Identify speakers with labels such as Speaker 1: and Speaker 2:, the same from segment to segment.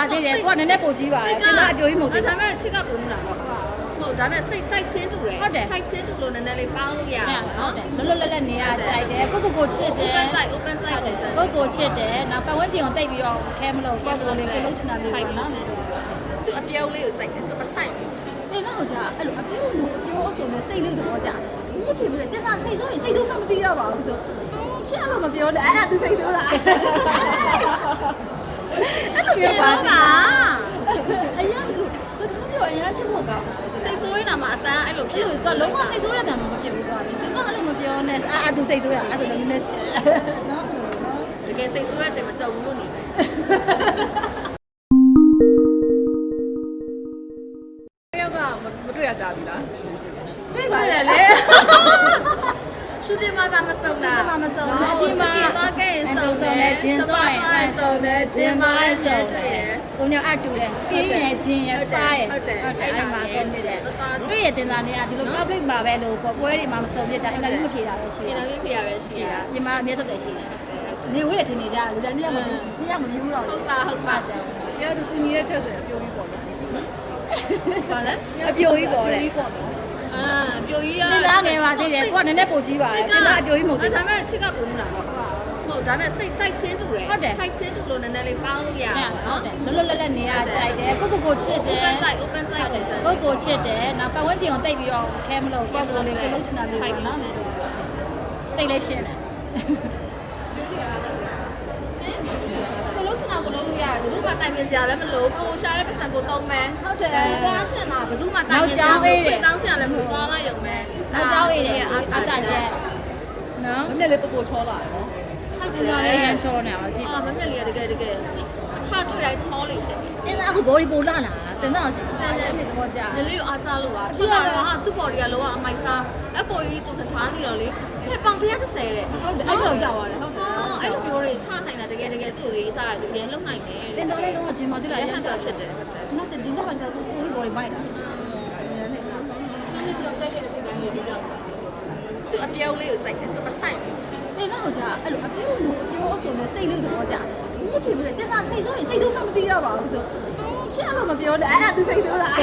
Speaker 1: သေးတယ်ကိုကနည်းနည်းပိုကြီးပါတယ်တင်သားအပြိုကြီးမဟုတ်သေးဘူး
Speaker 2: ဒါပေမဲ့ချစ်ကပုံနေတာပေါ့ဟုတ်ဒါပေမဲ့စိတ်တိုက်ချင်းတူတယ်ထိုက်ချင်းတူလို့နည်းနည်းလေးပေါင်းလို့ရတယ်နော်
Speaker 1: လွတ်လွတ်လပ်လပ်နေရကြိုက်တယ်ကိုချစ်တယ်
Speaker 2: open side ပုံစံ
Speaker 1: ကိုချစ်တယ်နောက်ပတ်ဝန်းကျင်ကိုတိတ်ပြီးတော့ခဲမလို့ကိုလေးကိုလုံးချင်တာလေးပေါ့နော်
Speaker 2: သူအပြောင်းလေးကိုစိုက်တယ်သူပတ်ဆိုင်တယ်
Speaker 1: တင်သားကကြာအဲ့လိုအပြိုဆိုနေစိတ်လေးသဘောကျတယ်ဒီဖြစ်ပြီးတင်သားစိတ်ဆိုရင်စိတ်ဆိုမှမသိရပါဘူးဆိုချစ်လို့မပြောနဲ့အဲ့ဒါသူစိတ်ဆိုးလားအဲ့လိုပြောပါအရင်ကအရင်ချစ်ဖို့ကောင်း
Speaker 2: စိတ်ဆိုးနေတာမှအတန်းအဲ့လိုဖြစ်
Speaker 1: သူကလုံးဝစိတ်ဆိုးတဲ့တံမဖြစ်ဘူးသွားတယ်တင်သားအဲ့လိုမပြောနဲ့သူစိတ်ဆိုးတာအဲ့ဒါလည်းနည်းနည်းနော်
Speaker 2: တကယ်စိတ်ဆိုးတဲ့အချိန်မကြုံဘူးလို့နေတယ်
Speaker 3: တယောက်ကမတွေ့ရကြဘူးလား
Speaker 1: တွေ့ပါလေ
Speaker 2: ရှူတင်မှာကမစုံတာ
Speaker 1: မစုံဘူးအပြင်မှာ
Speaker 2: သွားခဲ့ရင်စုံတယ်ဂျင်းစုံရင်စုံတယ်ဂျင်းမလည်းစုံတယ်
Speaker 1: ကိုညအတူတယ် skin ရဲ့ဂျင်းရဲ့ spa ရဲ့အဲ့မှာတော့တွေ့တယ်တွေ့ရတင်သားနေကဒီလို public မှာပဲလို့ပွဲတွေမှာမစုံပြတာအင်္ဂလိပ်မဖြေတာပဲရှိ
Speaker 2: ဒီ
Speaker 1: တယ်
Speaker 2: လိုဖြစ်ရပဲရှိတာ
Speaker 1: ပြင်မှာအမြဲဆက်တယ်ရှိတယ်နေဝဲထင်နေကြလူတိုင်းနေရမလို့နေရမပြီးဘူးတော့
Speaker 2: ဟုတ်ပါကြောင်
Speaker 3: ။ပြောသူညီရဲ့ချက်ဆိုရင်ပြုံးပြီးပေါ့နော်
Speaker 2: ဘာလဲ
Speaker 1: အပြိုကြီးပေါ်တယ်
Speaker 3: ။ပြီးပေါ့နော်
Speaker 2: အာပြိုကြီးရ
Speaker 1: တင်သားငယ်ပါသေးတယ်ကိုကနည်းနည်းပိုကြီးပါတယ်တင်သားအပြိုကြီးမဟုတ်သေး
Speaker 2: ဒါ
Speaker 1: ဘူး
Speaker 2: ပေမဲ့ချစ်ကပုံနေတာပေါ့ဟုတ်ဒါပေမဲ့စိတ်တိုက်ချင်းတူတယ်ထိုက်ချင်းတူလို့နည်းနည်းလေးပေါင်းလို့ရတယ်နော်
Speaker 1: လွတ်လွတ်လပ်လပ်နေရကြိုက်တယ်ကိုချစ်တယ်
Speaker 2: open side ပုံစံ
Speaker 1: ကိုချစ်တယ်နောက်ပတ်ဝန်းကျင်ကိုတိတ်ပြီးတော့ခဲမလို့ကိုလေးကိုလုံးချင်တာလေးပေါ့နော်စိတ်လေးရှင်းတယ်
Speaker 2: ကိုလုံးစနာကိုလုံးလို့ရတယ်ဘယ်သူမှတိုင်ပင်စရာလည်းမလိုကိုရှာတဲ့ပတ်စံကိုတုံးမယ်ကိုသွားချင်တာဘယ်သူမှတိုင်ပင်စရာတောင်းစရာလည်းမလိုသွားလိုက်ရုံပဲ
Speaker 1: နောက်ကြောင်းရည်တယ်အတားချက်နော်
Speaker 3: ။မမြက်လေးပူချောလာတယ်နော်
Speaker 2: ဟုတ်
Speaker 1: တင်
Speaker 2: တ
Speaker 1: သား
Speaker 2: ယ်
Speaker 1: လေးရန်ချောနေအောင်ကြည့်
Speaker 2: အာမမြက်လေးကတကယ်ကြည့်အခါတွေ့တိုင်းချောလေးဖြစ်
Speaker 1: တင်သားအခုဘော်ဒီပိုလာလာတင်သားကြည့်စမ်းနေတော့ကြာ
Speaker 2: မလေးကိုအားကြလို့ပါထွက်လာတော့ဟာသူ့ body ကလောကအမိုက်စား FOE သူကစားနေတော့လေဖက်ပေါင်130တဲ့
Speaker 3: ။ဟုတ်တယ်အဲ့လိုကြောက်ရတယ်ဟုတ်တယ်
Speaker 2: အဲ့လိုမျိုးတွေချနိုင်တာတကယ်သူ့လေးစားတယ်တကယ်လုံနိုင်တယ်
Speaker 1: တင်သားလေးတော့ဂျင်မာတူလာ
Speaker 2: ရ
Speaker 1: ရ
Speaker 2: ဟ
Speaker 1: န်
Speaker 2: န်
Speaker 1: ကြာ
Speaker 2: တာဖြစ်တယ်ဟုတ်တယ်
Speaker 1: နောက်တင်တော့ကတော့ကိုဘော်ဒီမိုက်တာ
Speaker 2: သူအပြောင်းလေးကိုစိုက်တယ်သူပတ်ဆိုင်တယ်
Speaker 1: တင်သားကကြာအဲ့လိုအပြိုဆိုနေစိတ်လေးသဘောကျတယ်ဒီဖြစ်ပြီးတင်သားစိတ်ဆိုရင်စိတ်ဆိုမှမသိရပါဘူးဆိုချစ်လို့မပြောနဲ့အဲ့ဒါသူစိတ်ဆိုးလား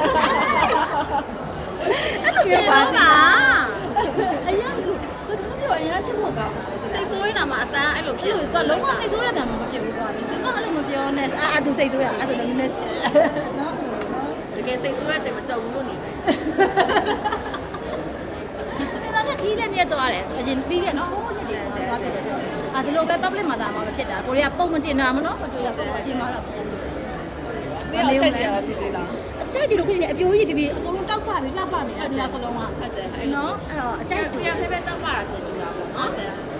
Speaker 1: အဲ့လိုပြောပါအရင်ကပြောအရင်ချစ်ဖို့ကောင်း
Speaker 2: စိတ်ဆိုးနေတာမှအတန်းအဲ့လိုဖြစ်
Speaker 1: သူကလုံးဝစိတ်ဆိုးတဲ့တံမဖြစ်ဘူးသွားတယ်သူကအဲ့လိုမပြောနဲ့သူစိတ်ဆိုးတာအဲ့ဒါလည်းနည်းနည်းနော်
Speaker 2: တကယ်စိတ်ဆိုးတဲ့အချိန်မကြုံဘူးလို့နေတယ်
Speaker 1: တင်သားကခီးလည်းမြတ်သွားတယ်အရင်ပြီးခဲ့နော်ဟိုးနှစ်တည်းသွားပြတယ်ဒီလိုပဲ public မှာသာမှာဖြစ်တာကိုရီးယားပုံမတင်တာမနော်မတွေ့ရဘူးအပြင်မှာတော့
Speaker 3: ။မင်းချက်တယ်ဖြစ်သေးလား
Speaker 1: အကြိုက်ဒီလိုကိုကြီးအပြိုကြီးဖြစ်ပြီးအကုန်လုံးတောက်ပါပြီးလှပနေအဲ့ဒီစလုံးက
Speaker 2: ဟုတ်တယ်အဲ့
Speaker 1: နော်အဲ့တော့အကြိုက်
Speaker 2: တရားဖဲဖဲတောက်ပါတာချင်းတူတာပေါ့နော်